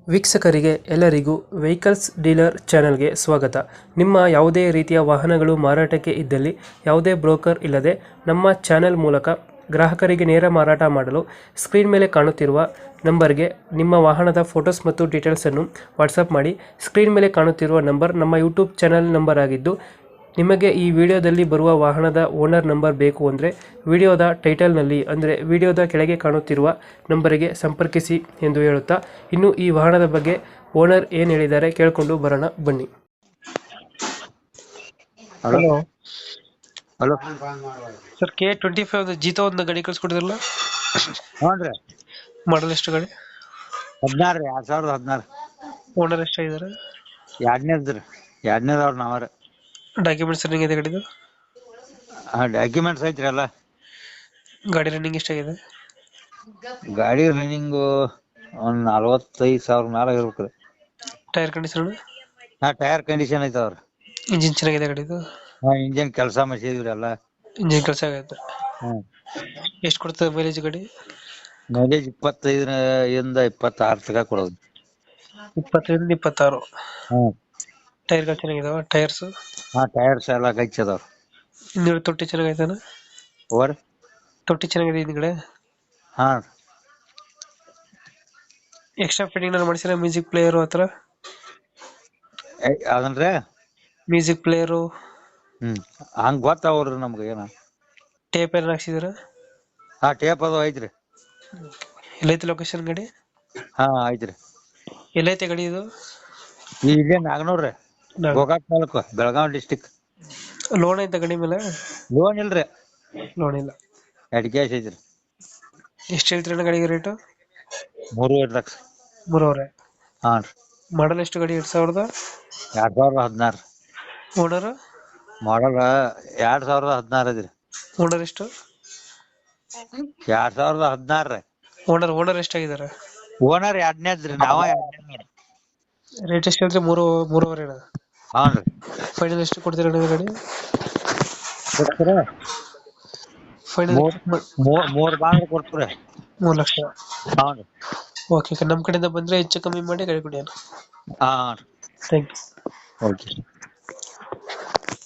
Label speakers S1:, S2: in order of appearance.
S1: ವೀಕ್ಷಕರಿಗೆ ಎಲ್ಲರಿಗೂ vehicles dealer ಚಾನೆಲ್ಗೆ ಸ್ವಾಗತ. ನಿಮ್ಮ ಯಾವುದೇ ರೀತಿಯ ವಾಹನಗಳು ಮಾರಾಟಕ್ಕೆ ಇದ್ದಲ್ಲಿ ಯಾವುದೇ ಬ್ರೋಕರ್ ಇಲ್ಲದೆ ನಮ್ಮ ಚಾನೆಲ್ ಮೂಲಕ ಗ್ರಾಹಕರಿಗೆ ನೇರ ಮಾರಾಟ ಮಾಡಲು ಸ್ಕ್ರೀನ್ ಮೇಲೆ ಕಾಣುತ್ತಿರುವ ನಂಬರ್ಗೆ ನಿಮ್ಮ ವಾಹನದ ಫೋಟೋಸ್ ಮತ್ತು ಡೀಟೇಲ್ಸನ್ನು ವಾಟ್ಸಪ್ ಮಾಡಿ. ಸ್ಕ್ರೀನ್ ಮೇಲೆ ಕಾಣುತ್ತಿರುವ ನಂಬರ್ ನಮ್ಮ ಯೂಟ್ಯೂಬ್ ಚಾನೆಲ್ ನಂಬರ್ ಆಗಿದ್ದು, ನಿಮಗೆ ಈ ವಿಡಿಯೋದಲ್ಲಿ ಬರುವ ವಾಹನದ ಓನರ್ ನಂಬರ್ ಬೇಕು ಅಂದರೆ ವಿಡಿಯೋದ ಟೈಟಲ್ನಲ್ಲಿ ಅಂದರೆ ವಿಡಿಯೋದ ಕೆಳಗೆ ಕಾಣುತ್ತಿರುವ ನಂಬರಿಗೆ ಸಂಪರ್ಕಿಸಿ ಎಂದು ಹೇಳುತ್ತಾ, ಇನ್ನು ಈ ವಾಹನದ ಬಗ್ಗೆ ಓನರ್ ಏನು ಹೇಳಿದ್ದಾರೆ ಕೇಳಿಕೊಂಡು ಬರೋಣ ಬನ್ನಿ.
S2: Hello
S1: hello
S2: hello
S1: sir, K25 Jeeto ಒಂದು ಗಾಡಿ ಕಳ್ಸಿಕೊಡಿದ್ರಲ್ಲ,
S2: ಹ್ಞೂನ್ರಿ
S1: ಮಾಡಲ್ ಎಷ್ಟು ಗಾಡಿ?
S2: 16 ರೀ 2016
S1: ಓನರ್ ಎಷ್ಟಾಗಿದ್ದಾರೆ?
S2: ಎರಡನೇದವ್ರ ನಾವರ
S1: ಡಾಕ್ಯುಮೆಂಟ್ಸ್ ರನ್ನಿಂಗ್ ಇದೆ ಗಾಡಿದು?
S2: ಡಾಕ್ಯುಮೆಂಟ್ಸ್ ಐತ್ರಿ ಎಲ್ಲ.
S1: ಗಾಡಿ ರನ್ನಿಂಗ್ ಎಷ್ಟಾಗಿದೆ?
S2: ಗಾಡಿ ರನ್ನಿಂಗು ಒಂದ್ 45,000 ಮ್ಯಾಲ ಇರ್ಬೇಕ್ರಿ.
S1: Tyre condition?
S2: ಟೈರ್ ಕಂಡೀಷನ್ ಐತವ್ರಿ.
S1: ಇಂಜಿನ್ ಚೆನ್ನಾಗಿದೆ ಗಾಡಿದು?
S2: ಇಂಜಿನ್ ಕೆಲಸ ಮಾಡಿಸಿದ್ರಿ ಎಲ್ಲ.
S1: ಇಂಜಿನ್ ಕೆಲಸ ಆಗೈತೆ.
S2: ಹ್ಮ್
S1: ಎಷ್ಟು ಕೊಡ್ತದೆ ಮೈಲೇಜ್ ಗಾಡಿ?
S2: ಮೈಲೇಜ್ 25 ಇಂದ 26 ತನಕ ಕೊಡೋದು.
S1: 25 26.
S2: ಹ್ಮ್
S1: ಟೈರ್ಗಳು ಚೆನ್ನಾಗಿದಾವ? ಟೈರ್ಸ್
S2: ಟೈರ್ಸ್ ಎಲ್ಲ ಗಚ್ಚ ಅದಾವ್ರಿ.
S1: ಹಿಂದ್ಗಡೆ ತೊಟ್ಟಿ ಚೆನ್ನಾಗೈತಾನ?
S2: ಓರ್
S1: ತೊಟ್ಟಿ ಚೆನ್ನಾಗಿದೆ ಹಿಂದ್ಗಡೆ?
S2: ಹಾ
S1: ಎಕ್ಸ್ಟ್ರಾ ಫಿಟ್ಟಿಂಗ್ ನಾನು ಮಾಡಿಸಿರ? ಮ್ಯೂಸಿಕ್ ಪ್ಲೇಯರು ಹತ್ರ?
S2: ಅದನ್ರಿ
S1: ಮ್ಯೂಸಿಕ್ ಪ್ಲೇಯರು
S2: ಹಂಗ ಗೊತ್ತಾವ್ರಿ ನಮ್ಗ ಏನ.
S1: ಟೇಪ್ ಎಲ್ಲ ಹಾಕ್ಸಿದಾರ?
S2: ಟೇಪ್ ಅದು ಐತ್ರಿ.
S1: ಎಲ್ಲೈತೆ ಲೊಕೇಶನ್ ಗಾಡಿ?
S2: ಐತ್ರಿ.
S1: ಎಲ್ಲೈತೆ ಗಾಡಿ ಇದು?
S2: ಇಲ್ಲೇ ನಾಗನೂರ್ರಿ, ಗೋಕಾಕ್ ತಾಲೂಕು, ಬೆಳಗಾವಿ ಡಿಸ್ಟಿಕ್.
S1: ಲೋನ್ ಐತೆ ಗಾಡಿ ಮೇಲೆ?
S2: ಲೋನ್ ಇಲ್ರಿ.
S1: ಲೋನ್ ಇಲ್ಲ.
S2: ಎಡ್ ಕ್ಯಾಶ್ ಐತ್ರಿ.
S1: ಎಷ್ಟು ಹೇಳ್ತೀರಣ್ಣ ಗಾಡಿಗೆ ರೇಟು?
S2: 3.5 ಲಕ್ಷ.
S1: 3.5.
S2: ಹಾಂ ರೀ.
S1: ಮಾಡಲ್ ಎಷ್ಟು ಗಾಡಿ? 2000?
S2: 2016
S1: ಓನರ್?
S2: ಮಾಡಲ್ 2016 ಐತ್ರಿ.
S1: ಓನರ್ ಎಷ್ಟು?
S2: 2016 ರೀ.
S1: ಓನರ್ ಎಷ್ಟಾಗಿದ್ದಾರೆ?
S2: ಓನರ್ ಎರಡನೇದ್ರಿ, ನಾವ ಎರಡನೇ.
S1: ರೇಟ್ ಎಷ್ಟು ಹೇಳ್ತೀರಿ? 3.5 ಅಣ್ಣ?
S2: ಹಾಂ ರೀ.
S1: ಫೈನಲ್ ಎಷ್ಟು ಕೊಡ್ತೀರಣ್ಣ ಗಾಡಿ? ಫೈನಲ್
S2: 3 ಬಾಂಗ್ರ ಕೊಡ್ತೀರಿ.
S1: 3 ಲಕ್ಷ.
S2: ಹಾಂ ರೀ.
S1: ಓಕೆ, ನಮ್ಮ ಕಡೆಯಿಂದ ಬಂದರೆ ಹೆಚ್ಚು ಕಮ್ಮಿ ಮಾಡಿ ಗಾಡಿ ಕೊಡಿ ಅಣ್ಣ.
S2: ಹಾಂ ರೀ.
S1: Thank you.
S2: ಓಕೆ.